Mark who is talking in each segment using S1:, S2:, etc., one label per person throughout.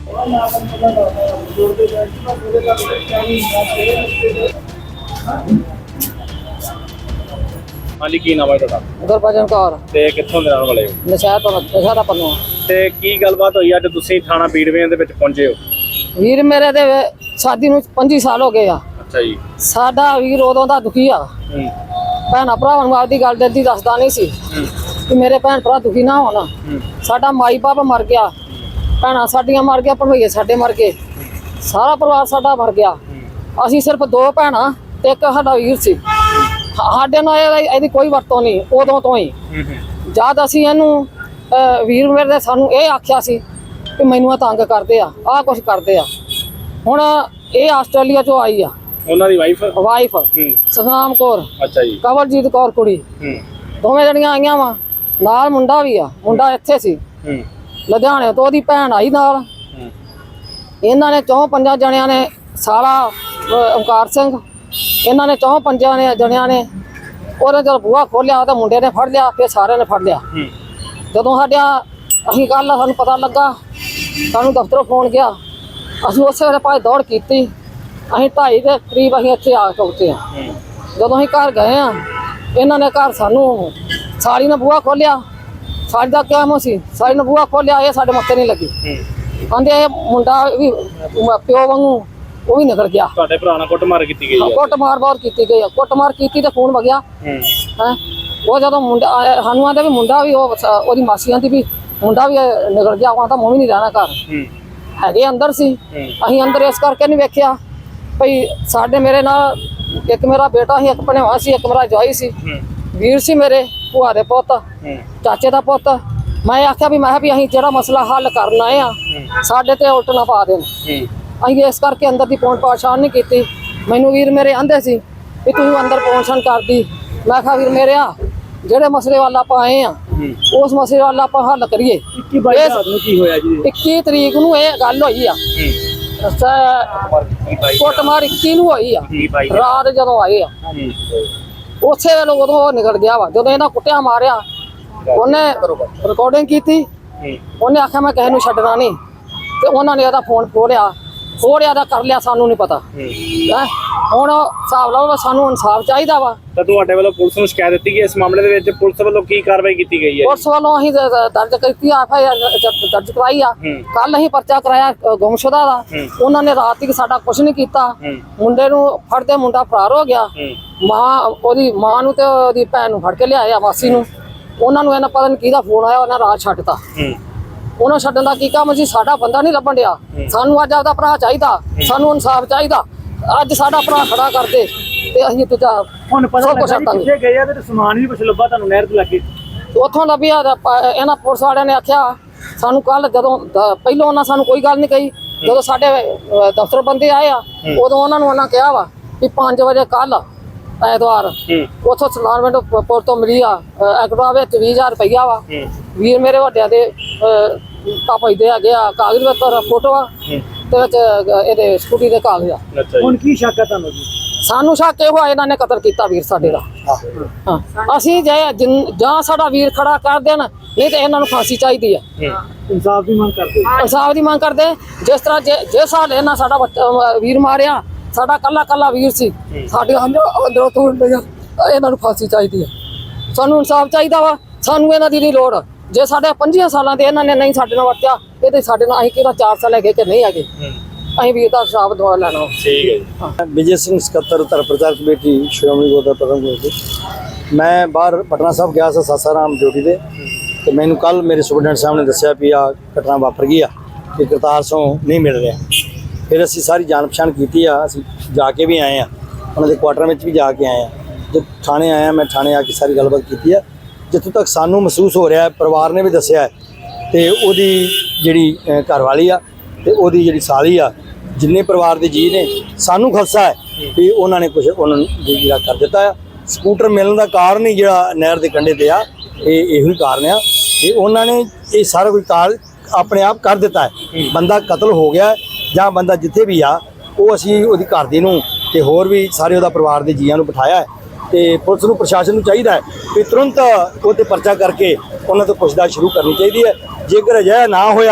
S1: ਹਾਂਜੀ, ਕੀ ਨਾਮ ਹੈ ਤੁਹਾਡਾ?
S2: ਗੁਰਬਚਨ ਕੌਰ।
S1: ਤੇ ਕਿੱਥੋਂ ਦੇ ਰਹਿਣ ਵਾਲੇ ਹੋ?
S2: ਨਸ਼ਹਿਰਾ ਪੰਨੂ।
S1: ਤੇ ਕੀ ਗੱਲਬਾਤ ਹੋਈ ਅੱਜ ਤੁਸੀਂ ਥਾਣਾ ਬੀੜਵੇਂ ਦੇ ਵਿੱਚ ਪਹੁੰਚੇ ਹੋ?
S2: ਵੀਰ ਮੇਰੇ ਦੇ ਸ਼ਾਦੀ ਨੂੰ 25 ਸਾਲ ਹੋ ਗਏ ਆ।
S1: ਅੱਛਾ ਜੀ।
S2: ਸਾਡਾ ਵੀਰ ਉਦੋਂ ਦਾ ਦੁਖੀ ਆ। ਭੈਣਾਂ ਭਰਾਵਾਂ ਨੂੰ ਆਪਦੀ ਗੱਲ ਦਿਲ ਦੀ ਦੱਸਦਾ ਨਹੀਂ ਸੀ ਕਿ ਮੇਰੇ ਭੈਣ ਭਰਾ ਦੁਖੀ ਨਾ ਹੋਣ। ਸਾਡਾ ਮਾਈ ਬਾਪ ਮਰ ਗਿਆ, ਭੈਣਾਂ ਸਾਡੀਆਂ ਮਰ ਗਿਆ, ਭਣਵਈਏ ਸਾਡੇ ਮਰ ਗਏ, ਸਾਰਾ ਪਰਿਵਾਰ ਸਾਡਾ ਮਰ ਗਿਆ। ਅਸੀਂ ਸਿਰਫ 2 ਭੈਣਾਂ ਤੇ ਇੱਕ ਸਾਡਾ ਵੀਰ ਸੀ। ਸਾਡੇ ਨਾਲ ਇਹਦੀ ਕੋਈ ਵਰਤੋਂ ਨਹੀਂ ਉਦੋਂ ਤੋਂ ਹੀ। ਜਦ ਅਸੀਂ ਇਹਨੂੰ ਵੀਰ ਮੇਰੇ ਨੇ ਸਾਨੂੰ ਇਹ ਆਖਿਆ ਸੀ ਕਿ ਮੈਨੂੰ ਇਹ ਤੰਗ ਕਰਦੇ ਆ, ਆਹ ਕੁਛ ਕਰਦੇ ਆ। ਹੁਣ ਇਹ ਆਸਟ੍ਰੇਲੀਆ ਚੋਂ ਆਈ ਆ,
S1: ਉਹਨਾਂ ਦੀ ਵਾਈਫ
S2: ਸਤਨਾਮ ਕੌਰ।
S1: ਅੱਛਾ ਜੀ।
S2: ਕਵਲਜੀਤ ਕੌਰ ਕੁੜੀ, ਦੋਵੇਂ ਜਣੀਆਂ ਆਈਆਂ ਵਾ, ਨਾਲ ਮੁੰਡਾ ਵੀ ਆ। ਮੁੰਡਾ ਇੱਥੇ ਸੀ ਲੁਧਿਆਣੇ ਤੋਂ, ਉਹਦੀ ਭੈਣ ਆਈ ਨਾਲ। ਇਹਨਾਂ ਨੇ 4-5 ਜਣਿਆਂ ਨੇ, ਸਾਲਾ ਓਮਕਾਰ ਸਿੰਘ, ਇਹਨਾਂ ਨੇ 4-5 ਜਣਿਆਂ ਨੇ ਉਹਨੇ ਜਦੋਂ ਬੂਹਾ ਖੋਲਿਆ ਤਾਂ ਮੁੰਡੇ ਨੇ ਫੜ ਲਿਆ, ਫਿਰ ਸਾਰਿਆਂ ਨੇ ਫੜ ਲਿਆ। ਜਦੋਂ ਅਸੀਂ ਕੱਲ ਸਾਨੂੰ ਪਤਾ ਲੱਗਾ, ਸਾਨੂੰ ਦਫ਼ਤਰੋਂ ਫੋਨ ਗਿਆ, ਅਸੀਂ ਉਸੇ ਵੇਲੇ ਭਾਈ ਦੌੜ ਕੀਤੀ। ਅਸੀਂ 2:30 ਦੇ ਕਰੀਬ ਅਸੀਂ ਇੱਥੇ ਆ ਪਹੁੰਚੇ ਆ। ਜਦੋਂ ਅਸੀਂ ਘਰ ਗਏ ਆ, ਇਹਨਾਂ ਨੇ ਘਰ ਸਾਨੂੰ ਸਾਲੀ ਨੇ ਬੂਹਾ ਖੋਲਿਆ। ਸਾਲੀ ਦਾ ਕੰਮ ਸੀ, ਸਾਲੀ ਨੇ ਬੂਹਾ ਖੋਲਿਆ, ਇਹ ਸਾਡੇ ਮੱਥੇ ਨਹੀਂ ਲੱਗੀ। ਕਹਿੰਦੇ ਇਹ ਮੁੰਡਾ ਵੀ ਪਿਓ ਵਾਂਗੂ ਉਹ ਵੀ ਨਿਕਲ ਗਿਆ।
S1: ਤੁਹਾਡੇ ਭਰਾ ਨਾਲ ਕੁੱਟਮਾਰ ਕੀਤੀ ਗਈ?
S2: ਕੁੱਟਮਾਰ ਬਹੁਤ ਕੀਤੀ ਗਈ ਆ। ਕੁੱਟਮਾਰ ਕੀਤੀ ਤੇ ਖੂਨ ਵਗਿਆ। ਉਹ ਜਦੋਂ ਮੁੰਡਾ ਆਇਆ ਸਾਨੂੰ ਆਂਦੇ ਵੀ ਮੁੰਡਾ ਵੀ ਉਹਦੀ ਮਾਸੀ ਆਂਦੀ ਵੀ ਮੁੰਡਾ ਵੀ ਨਿਕਲ ਗਿਆ। ਉਹ ਤਾਂ ਮੈਂ ਵੀ ਨਹੀਂ ਰਹਿਣਾ ਘਰ, ਹੈਗੇ ਅੰਦਰ ਸੀ। ਅਸੀਂ ਅੰਦਰ ਇਸ ਕਰਕੇ ਨਹੀਂ ਵੇਖਿਆ ਭਈ ਸਾਡੇ ਮੇਰੇ ਨਾਲ ਇੱਕ ਮੇਰਾ ਬੇਟਾ ਸੀ, ਇੱਕ ਭਣੇਵਾ ਸੀ, ਇੱਕ ਮੇਰਾ ਜਵਾਈ ਸੀ, ਵੀਰ ਸੀ ਮੇਰੇ ਭੂਆ ਦੇ ਪੁੱਤ, ਚਾਚੇ ਦਾ ਪੁੱਤ। ਮੈਂ ਆਖਿਆ ਵੀ ਅਸੀਂ ਜਿਹੜਾ ਮਸਲਾ ਹੱਲ ਕਰਨ ਆਏ ਆ, ਸਾਡੇ ਤੇ ਉਲਟ ਨਾ ਪਾ ਦੇਣ। ਅਸੀਂ ਇਸ ਕਰਕੇ ਅੰਦਰ ਦੀ ਪਹੁੰਚ ਪਛਾਣ ਨਹੀਂ ਕੀਤੀ। ਮੈਨੂੰ ਵੀਰ ਮੇਰੇ ਆਂਦੇ ਸੀ ਵੀ ਤੂੰ ਅੰਦਰ ਪਹੁੰਚਣ ਕਰਦੀ। ਮੈਂ ਕਿਹਾ ਵੀਰ ਮੇਰੇ ਆ ਜਿਹੜੇ ਮਸਲੇ ਵੱਲ ਆਪਾਂ ਆਏ ਆ, ਉਸ ਮਸਲੇ ਵੱਲ ਆਪਾਂ ਹੱਲ ਕਰੀਏ। 21 ਤਰੀਕ ਨੂੰ ਇਹ ਗੱਲ ਹੋਈ ਆ, ਕੁੱਟਮਾਰ 21 ਨੂੰ ਹੋਈ ਆ ਰਾਤ ਜਦੋਂ ਆਏ ਆ। ਉਸੇ ਵੇਲੇ ਉਦੋਂ ਉਹ ਨਿਕਲ ਗਿਆ ਵਾ। ਜਦੋਂ ਇਹਨਾਂ ਕੁੱਟਿਆ ਮਾਰਿਆ, ਉਹਨੇ ਰਿਕਾਰਡਿੰਗ ਕੀਤੀ। ਉਹਨੇ ਆਖਿਆ ਮੈਂ ਕਿਸੇ ਨੂੰ ਛੱਡਣਾ ਨਹੀਂ, ਤੇ ਉਹਨਾਂ ਨੇ ਉਹਦਾ ਫੋਨ ਖੋਲਿਆ ਦਾ ਕਰ ਲਿਆ, ਸਾਨੂੰ ਨਹੀਂ ਪਤਾ। ਹੁਣ ਹਿਸਾਬ ਲਾਓ, ਸਾਨੂੰ ਇਨਸਾਫ ਚਾਹੀਦਾ ਵਾ।
S1: ਤਾਂ ਤੁਹਾਡੇ ਵੱਲੋਂ ਪੁਲਿਸ ਨੂੰ ਸ਼ਿਕਾਇਤ ਦਿੱਤੀ ਗਈ ਇਸ ਮਾਮਲੇ ਦੇ ਵਿੱਚ? ਪੁਲਿਸ ਵੱਲੋਂ ਕੀ ਕਾਰਵਾਈ ਕੀਤੀ ਗਈ ਹੈ?
S2: ਪੁਲਿਸ ਵੱਲੋਂ ਅਸੀਂ ਦਰਜ ਕੀਤੀ ਆ, FIR ਦਰਜ ਕਰਾਈ ਆ। ਕੱਲ ਅਸੀਂ ਪਰਚਾ ਕਰਾਇਆ ਗੁੰਮਸ਼ੁਦਾ ਦਾ। ਉਹਨਾਂ ਨੇ ਰਾਤ ਤੱਕ ਸਾਡਾ ਕੁਝ ਨਹੀਂ ਕੀਤਾ। ਮੁੰਡੇ ਨੂੰ ਫੜਦੇ ਮੁੰਡਾ ਫਰਾਰ ਹੋ ਗਿਆ। ਉਹਦੀ ਮਾਂ ਨੂੰ ਤੇ ਉਹਦੀ ਭੈਣ ਨੂੰ ਫੜ ਕੇ ਲਿਆਇਆ, ਮਾਸੀ ਨੂੰ। ਉਹਨਾਂ ਨੂੰ ਇਹਨਾਂ ਪਤਾ ਨਹੀਂ ਕਿਹਦਾ ਫੋਨ ਆਇਆ, ਉਹਨਾਂ ਰਾਤ ਛੱਡਤਾ। ਉਹਨਾਂ ਛੱਡਣ ਦਾ ਕੀ ਕੰਮ ਸੀ? ਸਾਡਾ ਬੰਦਾ ਨਹੀਂ ਲੱਭਣ ਡਿਆ। ਸਾਨੂੰ ਅੱਜ ਆਪਦਾ ਭਰਾ ਚਾਹੀਦਾ, ਸਾਨੂੰ ਇਨਸਾਫ ਚਾਹੀਦਾ। ਅੱਜ ਸਾਡਾ ਭਰਾ ਖੜਾ ਕਰਦੇ ਤੇ ਅਸੀਂ ਤੇ
S1: ਹੁਣ ਪਤਾ ਕਿੱਥੇ ਗਏ ਆ ਤੇ ਸਮਾਨ ਵੀ ਕੁਝ ਲੱਭਾ ਤੁਹਾਨੂੰ ਨਹਿਰ ਤੇ ਲੱਗੇ?
S2: ਉੱਥੋਂ ਲੱਭਿਆ। ਇਹਨਾਂ ਪੁਲਿਸ ਵਾਲਿਆਂ ਨੇ ਆਖਿਆ ਸਾਨੂੰ ਕੱਲ, ਜਦੋਂ ਪਹਿਲਾਂ ਉਹਨਾਂ ਸਾਨੂੰ ਕੋਈ ਗੱਲ ਨਹੀਂ ਕਹੀ। ਜਦੋਂ ਸਾਡੇ ਦਫ਼ਤਰ ਬੰਦੇ ਆਏ ਆ, ਉਦੋਂ ਉਹਨਾਂ ਕਿਹਾ ਵਾ ਵੀ 5 ਵਜੇ ਕੱਲ ਐਤਵਾਰ ਉੱਥੋਂ ਸਲਾਨਮੈਂਟ ਪੁਰ ਤੋਂ ਮਿਲੀ ਆ ਐਕਟਿਵਾ ਵਿੱਚ 20,000 ਰੁਪਈਆ ਵਾ। ਵੀਰ ਮੇਰੇ ਵੱਡਿਆਂ ਦੇ ਪਾਪਾ ਦੇ ਹੈਗੇ ਆ ਕਾਗਜ਼ ਪੱਤਰ, ਫੋਟੋਆਂ ਤੇ ਵਿੱਚ ਇਹਦੇ ਸਕੂਟੀ ਦੇ ਕਾਗਜ਼ ਆ।
S1: ਹੁਣ ਕੀ ਸ਼ੱਕ ਹੈ ਤੁਹਾਨੂੰ ਜੀ?
S2: ਸਾਨੂੰ ਸ਼ੱਕ ਇਹ ਹੋਇਆ ਇਹਨਾਂ ਨੇ ਕਤਲ ਕੀਤਾ ਵੀਰ ਸਾਡੇ ਦਾ। ਅਸੀਂ ਜਾਂ ਸਾਡਾ ਵੀਰ ਖੜਾ ਕਰ ਦੇਣ, ਨਹੀਂ ਤੇ ਇਹਨਾਂ ਨੂੰ ਫਾਂਸੀ ਚਾਹੀਦੀ ਆ।
S1: ਇਨਸਾਫ ਦੀ ਮੰਗ ਕਰਦੇ?
S2: ਇਨਸਾਫ ਦੀ ਮੰਗ ਕਰਦੇ। ਜਿਸ ਤਰ੍ਹਾਂ ਜੇ ਸਾਲ ਇਹਨਾਂ ਸਾਡਾ ਵੀਰ ਮਾਰਿਆ, ਸਾਡਾ ਕੱਲਾ ਵੀਰ ਸੀ, ਸਾਡੇ ਅੰਦਰੋਂ ਤੋੜ ਲਿਆ। ਇਹਨਾਂ ਨੂੰ ਫਾਂਸੀ ਚਾਹੀਦੀ ਆ। ਸਾਨੂੰ ਇਨਸਾਫ ਚਾਹੀਦਾ ਵਾ, ਸਾਨੂੰ ਇਹਨਾਂ ਦੀ ਨਹੀਂ ਲੋੜ। ਜੇ ਸਾਡੇ 25 ਸਾਲਾਂ ਦੇ ਇਹਨਾਂ ਨੇ ਨਹੀਂ ਸਾਡੇ ਨਾਲ ਵਰਤਿਆ, ਇਹ ਤੇ ਸਾਡੇ ਨਾਲ ਅਸੀਂ ਕਿਹੜਾ 4 ਸਾਲ ਹੈਗੇ ਕਿ ਨਹੀਂ ਹੈਗੇ। ਅਸੀਂ ਵੀਰ ਦਾ ਇਨਸਾਫ ਦਵਾ ਲੈਣਾ।
S1: ਠੀਕ ਹੈ ਜੀ।
S3: ਵਿਜੇ ਸਿੰਘ ਸਕੱਤਰ ਧਰਮ ਪ੍ਰਚਾਰ ਕਮੇਟੀ ਸ਼੍ਰੋਮਣੀ ਗੁਰਦੁਆਰਾ ਪ੍ਰਬੰਧਕ ਕਮੇਟੀ। ਮੈਂ ਬਾਹਰ ਪਟਨਾ ਸਾਹਿਬ ਗਿਆ ਸੀ ਸਾਸਾਰਾਮ ਡਿਊਟੀ ਤੇ ਮੈਨੂੰ ਕੱਲ ਮੇਰੇ ਸੁਪਰਡੈਂਟ ਸਾਹਿਬ ਨੇ ਦੱਸਿਆ ਵੀ ਆ ਘਟਨਾ ਵਾਪਰ ਗਈ ਆ ਕਿ ਕਰਤਾਰ ਸਿੰਘ ਨਹੀਂ ਮਿਲ ਰਿਹਾ। ਫਿਰ ਅਸੀਂ ਸਾਰੀ ਜਾਣ ਪਛਾਣ ਕੀਤੀ ਆ, ਅਸੀਂ ਜਾ ਕੇ ਵੀ ਆਏ ਆ, ਉਹਨਾਂ ਦੇ ਕੁਆਟਰ ਵਿੱਚ ਵੀ ਜਾ ਕੇ ਆਏ ਆ। ਜਦ ਥਾਣੇ ਆਇਆ, ਮੈਂ ਥਾਣੇ ਆ ਕੇ ਸਾਰੀ ਗੱਲਬਾਤ ਕੀਤੀ ਆ। ਜਿੱਥੋਂ ਤੱਕ ਸਾਨੂੰ ਮਹਿਸੂਸ ਹੋ ਰਿਹਾ, ਪਰਿਵਾਰ ਨੇ ਵੀ ਦੱਸਿਆ, ਤੇ ਉਹਦੀ ਜਿਹੜੀ ਘਰਵਾਲੀ ਆ ਤੇ ਉਹਦੀ ਜਿਹੜੀ ਸਾਲੀ ਆ, ਜਿੰਨੇ ਪਰਿਵਾਰ ਦੇ ਜੀ ਨੇ, ਸਾਨੂੰ ਖਲਸਾ ਹੈ ਵੀ ਉਹਨਾਂ ਨੇ ਕੁਝ ਉਹਨਾਂ ਨੂੰ ਜਿਹੜਾ ਕਰ ਦਿੱਤਾ ਆ। ਸਕੂਟਰ ਮਿਲਣ ਦਾ ਕਾਰਨ ਹੀ ਜਿਹੜਾ ਨਹਿਰ ਦੇ ਕੰਢੇ ਤੇ ਆ, ਇਹੋ ਹੀ ਕਾਰਨ ਆ ਕਿ ਉਹਨਾਂ ਨੇ ਇਹ ਸਾਰਾ ਕੁਝ ਕਾਰ ਆਪਣੇ ਆਪ ਕਰ ਦਿੱਤਾ ਹੈ। ਬੰਦਾ ਕਤਲ ਹੋ ਗਿਆ ਜਾਂ ਬੰਦਾ ਜਿੱਥੇ ਵੀ ਆ, ਉਹ ਅਸੀਂ ਉਹਦੀ ਘਰ ਦੀ ਨੂੰ ਤੇ ਹੋਰ ਵੀ ਸਾਰੇ ਉਹਦਾ ਪਰਿਵਾਰ ਦੇ ਜੀਆਂ ਨੂੰ ਬਿਠਾਇਆ ਹੈ। ਤੇ ਪੁਲਿਸ ਨੂੰ, ਪ੍ਰਸ਼ਾਸਨ ਨੂੰ ਚਾਹੀਦਾ ਹੈ ਕਿ ਤੁਰੰਤ ਉਹ 'ਤੇ ਪਰਚਾ ਕਰਕੇ ਉਹਨਾਂ ਤੋਂ ਪੁੱਛਤਾਛ ਸ਼ੁਰੂ ਕਰਨੀ ਚਾਹੀਦੀ ਹੈ। ਜੇਕਰ ਅਜਿਹਾ ਨਾ ਹੋਇਆ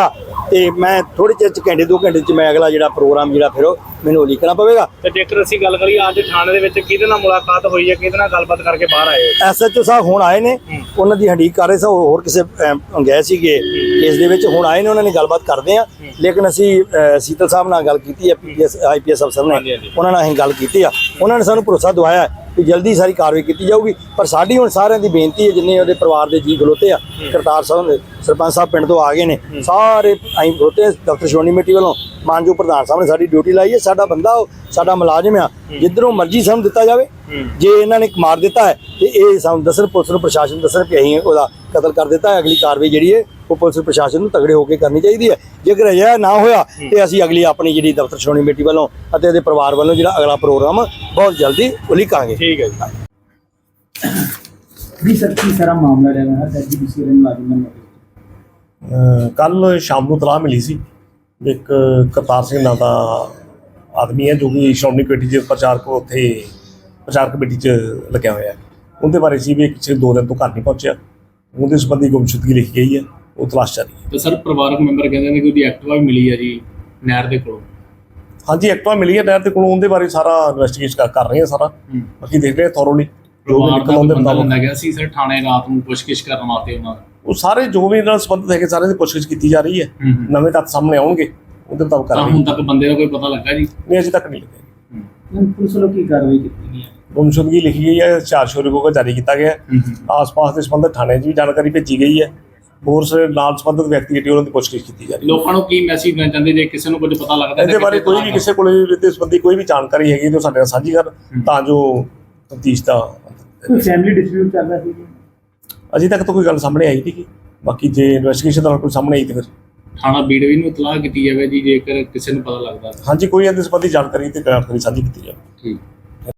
S3: ਤੇ ਮੈਂ ਥੋੜੇ ਚਿਰ 'ਚ ਘੰਟੇ 2 ਘੰਟੇ 'ਚ ਮੈਂ ਅਗਲਾ ਜਿਹੜਾ ਪ੍ਰੋਗਰਾਮ ਜਿਹੜਾ ਫਿਰ ਉਹ ਮੈਨੂੰ ਉਲੀਕਣਾ ਪਵੇਗਾ।
S1: ਤੇ ਜੇਕਰ ਅਸੀਂ ਗੱਲ ਕਰੀਏ ਅੱਜ ਥਾਣੇ ਦੇ ਵਿੱਚ ਕਿਹਦੇ ਨਾਲ ਮੁਲਾਕਾਤ ਹੋਈ ਹੈ, ਕਿਹਦੇ ਨਾਲ ਗੱਲਬਾਤ ਕਰਕੇ ਬਾਹਰ ਆਏ ਹੋ?
S3: SHO ਸਾਹਿਬ ਹੁਣ ਆਏ ਨੇ, ਉਹਨਾਂ ਦੀ ਹੰਡੀਕ ਕਰ ਰਹੇ ਸੀ, ਹੋਰ ਕਿਸੇ ਗਏ ਸੀਗੇ ਕੇਸ ਦੇ ਵਿੱਚ, ਹੁਣ ਆਏ ਨੇ, ਉਹਨਾਂ ਨੇ ਗੱਲਬਾਤ ਕਰਦੇ ਆ। ਲੇਕਿਨ ਅਸੀਂ ਸੀਤਲ ਸਾਹਿਬ ਨਾਲ ਗੱਲ ਕੀਤੀ ਹੈ, PPS IPS ਅਫਸਰ ਨੇ, ਉਹਨਾਂ ਨਾਲ ਅਸੀਂ ਗੱਲ ਕੀਤੀ ਆ, ਉਹਨਾਂ ਨੇ ਸਾਨੂੰ ਭਰੋਸਾ ਦਵਾਇਆ ਕਿ ਜਲਦੀ ਸਾਰੀ ਕਾਰਵਾਈ ਕੀਤੀ ਜਾਊਗੀ। ਪਰ ਸਾਡੀ ਹੁਣ ਸਾਰਿਆਂ ਦੀ ਬੇਨਤੀ ਹੈ, ਜਿੰਨੇ ਉਹਦੇ ਪਰਿਵਾਰ ਦੇ ਜੀ ਖਲੋਤੇ ਆ, ਕਰਤਾਰ ਸਾਹਿਬ ਦੇ ਸਰਪੰਚ ਸਾਹਿਬ ਪਿੰਡ ਤੋਂ ਆ ਗਏ ਨੇ, ਸਾਰੇ ਅਸੀਂ ਖਲੋਤੇ ਦਫ਼ਤਰ ਸ਼੍ਰੋਮਣੀ ਕਮੇਟੀ ਵੱਲੋਂ, ਮਾਨਯੋਗ ਪ੍ਰਧਾਨ ਸਾਹਿਬ ਨੇ ਸਾਡੀ ਡਿਊਟੀ ਲਾਈ ਹੈ, ਸਾਡਾ ਬੰਦਾ ਉਹ ਸਾਡਾ ਮੁਲਾਜ਼ਮ ਆ, ਜਿੱਧਰੋਂ ਮਰਜ਼ੀ ਸਾਨੂੰ ਦਿੱਤਾ ਜਾਵੇ। ਜੇ ਇਹਨਾਂ ਨੇ ਮਾਰ ਦਿੱਤਾ ਹੈ ਤੇ ਇਹ ਸਾਨੂੰ ਦੱਸਣ, ਪੁਲਿਸ ਨੂੰ ਪ੍ਰਸ਼ਾਸਨ ਦੱਸਣ ਕਿ ਅਸੀਂ ਉਹਦਾ ਕਤਲ ਕਰ ਦਿੱਤਾ ਹੈ, ਅਗਲੀ ਕਾਰਵਾਈ ਜਿਹੜੀ ਹੈ ਉਹ ਪੁਲਿਸ ਪ੍ਰਸ਼ਾਸਨ ਨੂੰ ਤਗੜੇ ਹੋ ਕੇ ਕਰਨੀ ਚਾਹੀਦੀ ਹੈ। ਜੇਕਰ ਅਜਿਹਾ ਨਾ ਹੋਇਆ ਤੇ ਅਸੀਂ ਅਗਲੀ ਆਪਣੀ ਜਿਹੜੀ ਦਫ਼ਤਰ ਸ਼੍ਰੋਮਣੀ ਕਮੇਟੀ ਵੱਲੋਂ ਅਤੇ ਉਹਦੇ ਪਰਿਵਾਰ ਵੱਲੋਂ ਜਿਹੜਾ ਅਗਲਾ ਪ੍ਰੋਗਰਾਮ ਬਹੁਤ ਜਲਦੀ ਉਲੀਕਾਂਗੇ।
S1: ਠੀਕ ਹੈ ਜੀ।
S4: ਵੀ ਸਰ ਕੀ ਸਾਰਾ ਮਾਮਲਾ ਰਿਹਾ ਹੈ ਐਜੀਪੀਸੀ ਦੇ ਮੁਲਾਜ਼ਮਾਂ ਨੂੰ?
S5: ਕੱਲ ਸ਼ਾਮ ਨੂੰ ਤਲਾਹ ਮਿਲੀ ਸੀ ਇੱਕ ਕਰਤਾਰ ਸਿੰਘ ਨਾਂ ਦਾ ਆਦਮੀ ਹੈ ਜੋ ਕਿ ਸ਼੍ਰੋਮਣੀ ਕਮੇਟੀ 'ਚ ਪ੍ਰਚਾਰ ਕਮੇਟੀ 'ਚ ਲੱਗਿਆ ਹੋਇਆ ਹੈ। ਉਹਦੇ ਬਾਰੇ ਸੀ ਵੀ ਪਿਛਲੇ 2 ਦਿਨ ਤੋਂ ਘਰ ਨਹੀਂ ਪਹੁੰਚਿਆ, ਉਹਦੇ ਸੰਬੰਧੀ ਗੁੰਮਸ਼ੁਦਗੀ ਲਿਖੀ ਗਈ ਹੈ, ਉਹ ਤਲਾਸ਼ ਜਾਰੀ ਹੈ।
S4: ਤੇ ਸਰ ਪਰਿਵਾਰਕ ਮੈਂਬਰ ਕਹਿੰਦੇ ਨੇ ਕਿ ਉਹਦੀ ਐਕਟਿਵਾ ਵੀ ਮਿਲੀ ਹੈ ਜੀ ਨਹਿਰ ਦੇ ਕੋਲੋਂ।
S5: ਹਾਂਜੀ, ਐਕਟਿਵਾ ਮਿਲੀ ਹੈ ਨਹਿਰ ਦੇ ਕੋਲੋਂ, ਉਹਦੇ ਬਾਰੇ ਸਾਰਾ ਇਨਵੈਸਟੀਗੇਟ ਕਰ ਰਹੇ ਹਾਂ ਸਾਰਾ, ਬਾਕੀ ਦੇਖ ਰਹੇ ਹਾਂ ਥੋਰੋਲੀ ਜੋ ਵੀ ਨਿਕਲ ਆਉਂਦੇ
S4: ਬੰਦਾ ਗਿਆ ਸੀ ਸਰ ਥਾਣੇ ਰਾਤ ਨੂੰ ਪੁੱਛਗਿੱਛ ਕਰਨ ਵਾਸਤੇ ਉਹਨਾਂ ਦਾ।
S5: ਉਹ ਸਾਰੇ ਜੋ ਵੀ ਨਾਲ ਸੰਬੰਧਿਤ ਹੈਗੇ ਸਾਰਿਆਂ ਦੀ ਪੁੱਛਗਿੱਛ ਕੀਤੀ ਜਾ ਰਹੀ ਹੈ, ਨਵੇਂ ਤੱਥ ਸਾਹਮਣੇ ਆਉਣਗੇ ਉਹਦੇ ਮੁਤਾਬਕ
S4: ਤਾਂ
S5: ਕਰਾਂਗੇ।
S4: ਹੁਣ ਤੱਕ ਬੰਦੇ ਦਾ ਕੋਈ ਪਤਾ ਲੱਗਾ ਜੀ?
S5: ਨਹੀਂ, ਅਜੇ ਤੱਕ ਨਹੀਂ ਲੱਗਿਆ।
S4: ਪੁਲਿਸ ਵੱਲੋਂ ਕੀ ਕਾਰਵਾਈ ਕੀਤੀ ਗਈ ਹੈ?
S5: ਗੁੰਮਸ਼ੁਦਗੀ ਲਿਖੀ ਗਈ ਹੈ, ਚਾਰਜਸ਼ੀਟ ਜਾਰੀ ਕੀਤਾ ਗਿਆ ਹੈ। ਆਸ-ਪਾਸ ਦੇ ਸੰਬੰਧਿਤ ਥਾਣੇ 'ਚ ਵੀ ਜਾਣਕਾਰੀ ਭੇਜੀ ਗਈ ਹੈ, ਹੋਰ ਨਾਲ ਸੰਬੰਧਿਤ ਵਿਅਕਤੀ ਜਿਹੜੀ ਉਹਨਾਂ ਦੀ ਪੁੱਛਗਿੱਛ ਕੀਤੀ ਜਾ ਰਹੀ ਹੈ।
S4: ਲੋਕਾਂ ਨੂੰ ਕੀ ਮੈਸੇਜ ਦੇਣਾ ਚਾਹੁੰਦੇ ਜੇ ਕਿਸੇ ਨੂੰ ਕੁਝ ਪਤਾ ਲੱਗਦਾ
S5: ਇਹਦੇ ਬਾਰੇ ਕੋਈ ਵੀ ਕਿਸੇ ਕੋਲ ਇਹਦੇ ਸੰਬੰਧੀ ਕੋਈ ਵੀ ਜਾਣਕਾਰੀ ਹੈਗੀ ਤਾਂ ਸਾਡੇ ਨਾਲ ਸਾਂਝੀ ਕਰਨ, ਤਾਂ ਜੋ ਤਫਤੀਸ਼ ਦਾ
S4: ਕੋਈ ਫੈਮਿਲੀ ਡਿਸਪਿਊਟ ਚੱਲਦਾ ਸੀ ਜੀ?
S5: ਅਜੇ ਤੱਕ ਤਾਂ ਕੋਈ ਗੱਲ ਸਾਹਮਣੇ ਆਈ ਨਹੀਂ, ਬਾਕੀ ਜੇ ਇਨਵੈਸਟੀਗੇਸ਼ਨ ਦੌਰਾਨ ਕੋਈ ਸਾਹਮਣੇ ਆਈ ਤਾਂ ਫਿਰ
S4: ਥਾਣਾ ਬੀੜਵੀ ਨੂੰ ਇਤਲਾਹ ਕੀਤੀ ਜਾਵੇ ਜੀ ਜੇਕਰ ਕਿਸੇ ਨੂੰ ਪਤਾ ਲੱਗਦਾ।
S5: ਹਾਂਜੀ, ਕੋਈ ਇਹਦੇ ਸੰਬੰਧੀ ਜਾਣਕਾਰੀ ਤੇ ਸਾਂਝੀ ਕੀਤੀ ਜਾਵੇ।
S4: ਠੀਕ।